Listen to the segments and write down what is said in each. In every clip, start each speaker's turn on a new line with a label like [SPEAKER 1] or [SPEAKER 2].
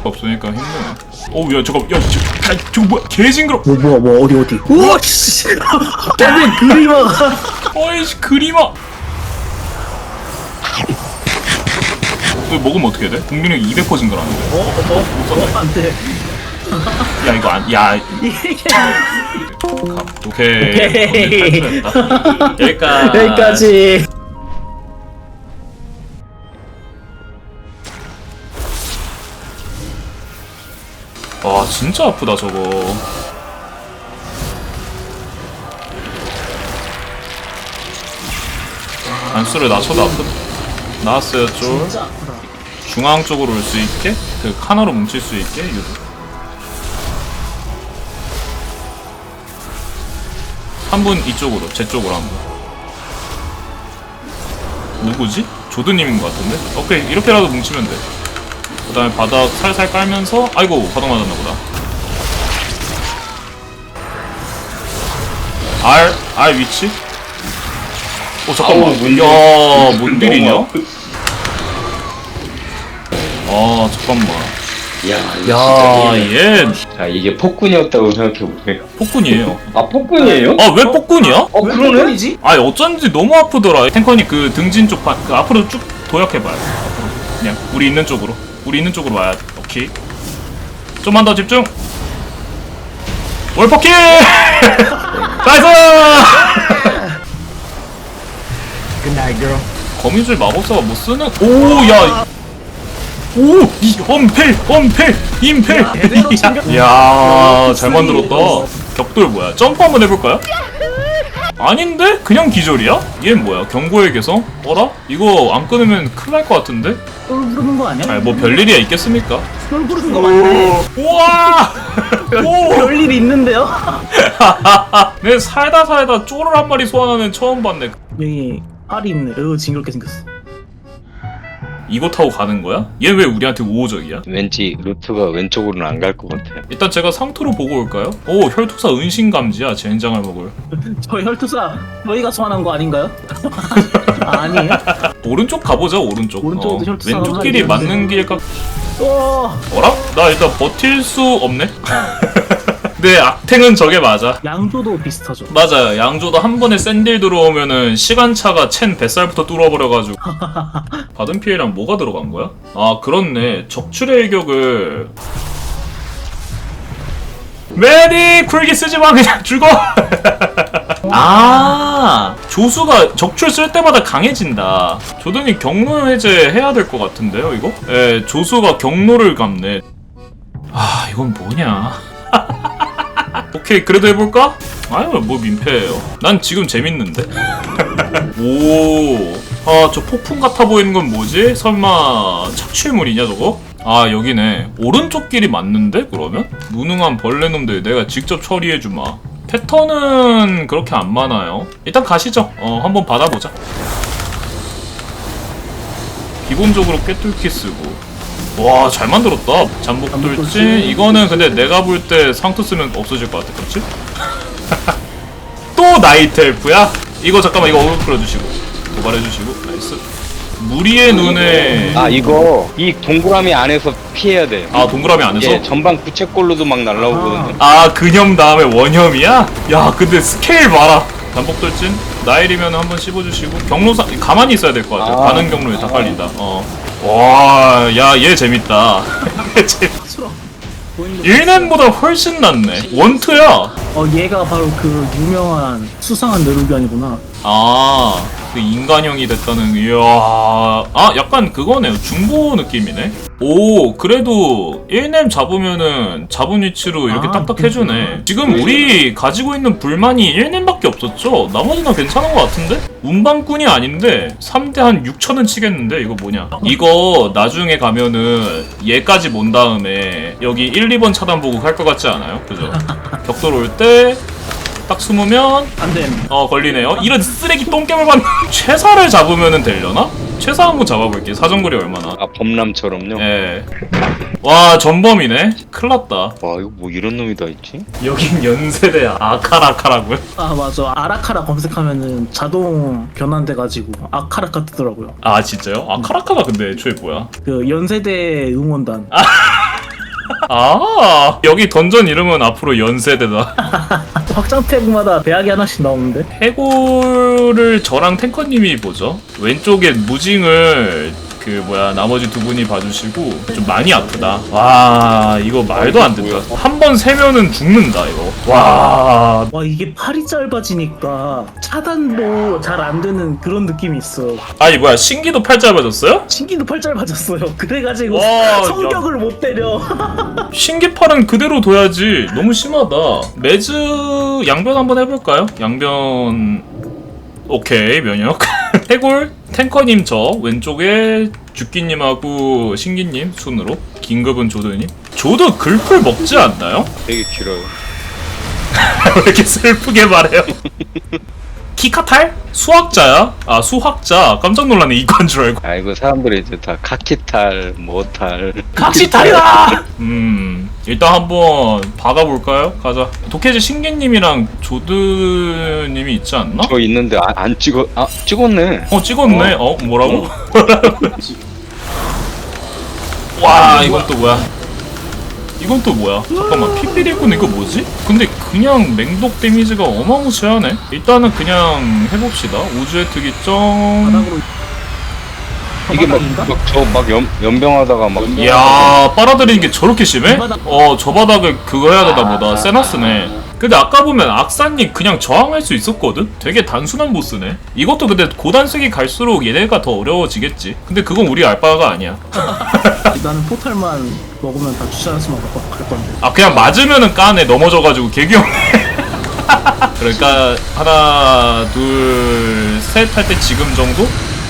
[SPEAKER 1] 없으니까 힘드네. 어우 야 잠깐 야 저거 뭐야 개징그러.
[SPEAKER 2] 뭐 어디 우와 씨 근데 그림아가
[SPEAKER 1] 어이씨 그림아. 이거 먹으면 어떻게 돼? 공격력 200% 증가하는데.
[SPEAKER 2] 안돼
[SPEAKER 1] 야 이거 야 오케이 탈출했다.
[SPEAKER 2] 여기까지
[SPEAKER 1] 와 진짜 아프다 저거. 단수를 낮춰도 아프다. 나왔어요 쫄.
[SPEAKER 2] 진짜 아프다
[SPEAKER 1] 중앙 쪽으로 올 수 있게 그 카나로 뭉칠 수 있게 유도. 한 분 이쪽으로 제 쪽으로 한 분. 누구지? 조드님인 것 같은데? 오케이 이렇게라도 뭉치면 돼. 그 다음에 바닥 살살 깔면서 아이고 바닥 맞았나 보다. R 위치? 오 잠깐만. 야 뭔일이냐? 아 잠깐만.
[SPEAKER 3] 야
[SPEAKER 1] 얘
[SPEAKER 3] 자 이게 폭군이었다고 생각해보세요.
[SPEAKER 1] 폭군이에요.
[SPEAKER 3] 아 폭군이에요?
[SPEAKER 1] 아 왜 폭군이야?
[SPEAKER 2] 왜 그러네?
[SPEAKER 1] 아니 어쩐지 너무 아프더라. 탱커니 그 등진 쪽 그 앞으로 쭉 도약해봐요. 앞으로 그냥 우리 있는 쪽으로 와야 돼. 오케이. 좀만 더 집중. 월퍼킬. 나이스.
[SPEAKER 2] 굿나잇 girl
[SPEAKER 1] 거미줄 마법사가 뭐 쓰는? 오야. 오! 이 엄펠! 임펠!
[SPEAKER 2] 제대로 챙겨-
[SPEAKER 1] 이야 잘 만들었다. 격돌 뭐야? 점프 한번 해볼까요? 아닌데? 그냥 기절이야? 얘는 뭐야? 경고의 개성? 어라? 이거 안 끊으면 큰일 날 것 같은데?
[SPEAKER 2] 똘 부르는 거 아니야?
[SPEAKER 1] 아니 뭐 별일이야 있겠습니까?
[SPEAKER 2] 똘 부르는 거 맞네
[SPEAKER 1] 우와! 오!
[SPEAKER 2] 별일이 있는데요?
[SPEAKER 1] 내 살다 쪼를 한 마리 소환하는 처음 봤네.
[SPEAKER 2] 여기 알이 있네 징그럽게 생겼어
[SPEAKER 1] 이거 타고 가는 거야? 얘 왜 우리한테 우호적이야?
[SPEAKER 3] 왠지 루트가 왼쪽으로는 안 갈 것 같아요.
[SPEAKER 1] 일단 제가 상토로 보고 올까요? 오 혈투사 은신감지야 젠장을 먹을.
[SPEAKER 2] 저 혈투사 저희가 소환한 거 아닌가요? 아니에요?
[SPEAKER 1] 오른쪽 가보자 오른쪽.
[SPEAKER 2] 오른쪽도 혈투사
[SPEAKER 1] 왼쪽 길이
[SPEAKER 2] 하나
[SPEAKER 1] 맞는 길까? 어라? 나 일단 버틸 수 없네? 내 악탱은 저게 맞아.
[SPEAKER 2] 양조도 비슷하죠
[SPEAKER 1] 맞아요. 양조도 한 번에 샌딜 들어오면은 시간차가 첸 뱃살부터 뚫어버려가지고. 받은 피해랑 뭐가 들어간 거야? 아 그렇네. 적출의 일격을 메디 쿨기 쓰지마 그냥 죽어. 아 조수가 적출 쓸 때마다 강해진다. 조던이 경로 해제 해야 될 것 같은데요 이거? 예 조수가 경로를 감네. 아 이건 뭐냐. 오케이 그래도 해볼까? 아유 뭐 민폐예요. 난 지금 재밌는데. 오, 아 저 폭풍 같아 보이는 건 뭐지? 설마 착취물이냐 저거? 아 여기네. 오른쪽 길이 맞는데 그러면? 무능한 벌레놈들 내가 직접 처리해주마. 패턴은 그렇게 안 많아요. 일단 가시죠. 한번 받아보자. 기본적으로 꿰뚫기 쓰고. 와 잘 만들었다. 잠복 돌진. 이거는 근데 내가 볼 때 상투 쓰면 없어질 것 같아. 그렇지? 또 나이트 엘프야? 이거 잠깐만 이거 어글 끌어주시고 도발해주시고 나이스. 무리의 눈에
[SPEAKER 3] 아 이거 이 동그라미 안에서 피해야 돼.
[SPEAKER 1] 아 동그라미 안에서?
[SPEAKER 3] 예 전방 부채꼴로도 막 날라오거든요.
[SPEAKER 1] 아 근염 다음에 원염이야? 야 근데 스케일 봐라. 잠복 돌진 나일이면 한번 씹어주시고 경로사 가만히 있어야 될 것 같아.
[SPEAKER 3] 아.
[SPEAKER 1] 가는 경로에 다 깔린다. 와, 야, 얘 재밌다. 일렘보다 훨씬 낫네. 원투야.
[SPEAKER 2] 얘가 바로 그 유명한 수상한 내루비안이구나
[SPEAKER 1] 아, 그 인간형이 됐다는. 이야, 아, 약간 그거네요. 중보 느낌이네. 오, 그래도 1렘 잡으면은 잡은 위치로 이렇게
[SPEAKER 2] 아,
[SPEAKER 1] 딱딱 해주네. 지금 우리 가지고 있는 불만이 1렘밖에 없었죠? 나머지는 괜찮은 것 같은데? 운반꾼이 아닌데 3대 한 6천은 치겠는데? 이거 뭐냐? 이거 나중에 가면은 얘까지 몬 다음에 여기 1, 2번 차단 보고 갈 것 같지 않아요? 그죠? 격돌 올 때 딱 숨으면
[SPEAKER 2] 안됨
[SPEAKER 1] 걸리네요. 이런 쓰레기 똥개물 받는. 최사를 잡으면은 되려나? 최사 한번 잡아볼게. 사정거리 얼마나?
[SPEAKER 3] 아 범람처럼요.
[SPEAKER 1] 예. 와 전범이네. 큰일났다.
[SPEAKER 3] 와 이거 뭐 이런 놈이 다 있지?
[SPEAKER 1] 여긴 연세대 아카라카라고요?
[SPEAKER 2] 아 맞아 아라카라 검색하면은 자동 변환돼가지고 아카라카 뜨더라고요
[SPEAKER 1] 아 진짜요? 아카라카가 근데 애초에 뭐야?
[SPEAKER 2] 그 연세대 응원단
[SPEAKER 1] 아 여기 던전 이름은 앞으로 연세대다.
[SPEAKER 2] 확장팩마다 배악이 하나씩 나오는데.
[SPEAKER 1] 해골을 저랑 탱커님이 보죠. 왼쪽에 무징을 그 뭐야 나머지 두 분이 봐주시고 좀 많이 아프다. 와 이거 말도 안 된다. 한 번 세면은 죽는다 이거. 와
[SPEAKER 2] 와 이게 팔이 짧아지니까 차단도 잘 안 되는 그런 느낌이 있어.
[SPEAKER 1] 아니 뭐야 신기도 팔 짧아졌어요?
[SPEAKER 2] 신기도 팔 짧아졌어요. 그래가지고
[SPEAKER 1] 와,
[SPEAKER 2] 성격을 못 때려.
[SPEAKER 1] 신기팔은 그대로 둬야지. 너무 심하다. 매즈 양변 한번 해볼까요? 양변 오케이 면역. 해골 탱커님 저 왼쪽에 주끼님하고 신기님 순으로 긴급은 조드님. 조드 글풀 먹지 않나요?
[SPEAKER 3] 되게 길어요.
[SPEAKER 1] 왜 이렇게 슬프게 말해요? 키카탈? 수학자야? 아 수학자 깜짝 놀랐네 이과인 줄 알고.
[SPEAKER 3] 아 이거 사람들이 이제 다 카키탈 뭐탈
[SPEAKER 1] 각시탈이다! 일단 한번 박아볼까요? 가자. 도케즈 신기님이랑 조드님이 있지 않나?
[SPEAKER 3] 저 있는데 안 찍어 찍었네.
[SPEAKER 1] 찍었네. 뭐라고? 와 이건 또 뭐야? 이건 또 뭐야? 잠깐만 피피리군 이거 뭐지? 근데 그냥 맹독 데미지가 어마무시하네. 일단은 그냥 해봅시다. 우주의 특이점.
[SPEAKER 2] 바닥으로.
[SPEAKER 3] 이게
[SPEAKER 2] 바닥인가?
[SPEAKER 3] 막저막 연병하다가 막
[SPEAKER 1] 이야 빨아들이는 게 저렇게 심해? 저 바닥을 그거 해야 되나 보다. 세나스네. 근데 아까 보면 악사님 그냥 저항할 수 있었거든? 되게 단순한 보스네. 이것도 근데 고단색이 갈수록 얘네가 더 어려워지겠지. 근데 그건 우리 알바가 아니야.
[SPEAKER 2] 나는 포탈만 먹으면 다 주차장에서만 갈 건데.
[SPEAKER 1] 아 그냥 맞으면은 까네. 넘어져가지고 개귀엽네. 그러니까 하나 둘 셋 할 때 지금 정도?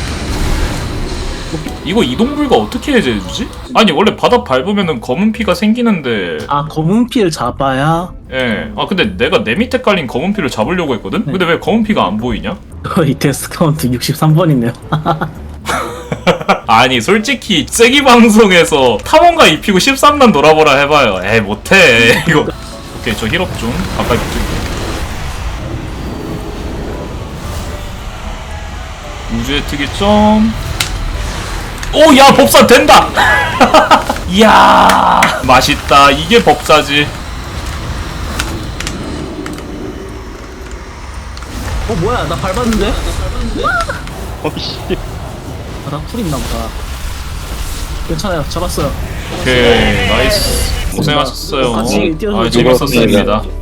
[SPEAKER 1] 이거 이동불가 어떻게 해제해주지? 아니 원래 바닥 밟으면은 검은 피가 생기는데
[SPEAKER 2] 아 검은 피를 잡아야
[SPEAKER 1] 예. 아 근데 내가 내 밑에 깔린 검은 피를 잡으려고 했거든? 근데 왜 검은 피가 안 보이냐?
[SPEAKER 2] 이 테스트 카운트 63번이네요.
[SPEAKER 1] 아니 솔직히 세기 방송에서 탐험가 입히고 13단 놀아보라 해봐요. 에이 못해 이거. 오케이 저 힐업 좀 가까이 붙을게. 우주의 특이점. 오 야 법사 된다. 이야 맛있다. 이게 법사지.
[SPEAKER 2] 뭐야 나 밟았는데?
[SPEAKER 3] 어씨
[SPEAKER 2] 나 쿨 있나 보다. 괜찮아요 잡았어요.
[SPEAKER 1] 오케이 나이스 고생하셨어요.
[SPEAKER 2] 같이 뛰어서
[SPEAKER 1] 아 재밌었습니다.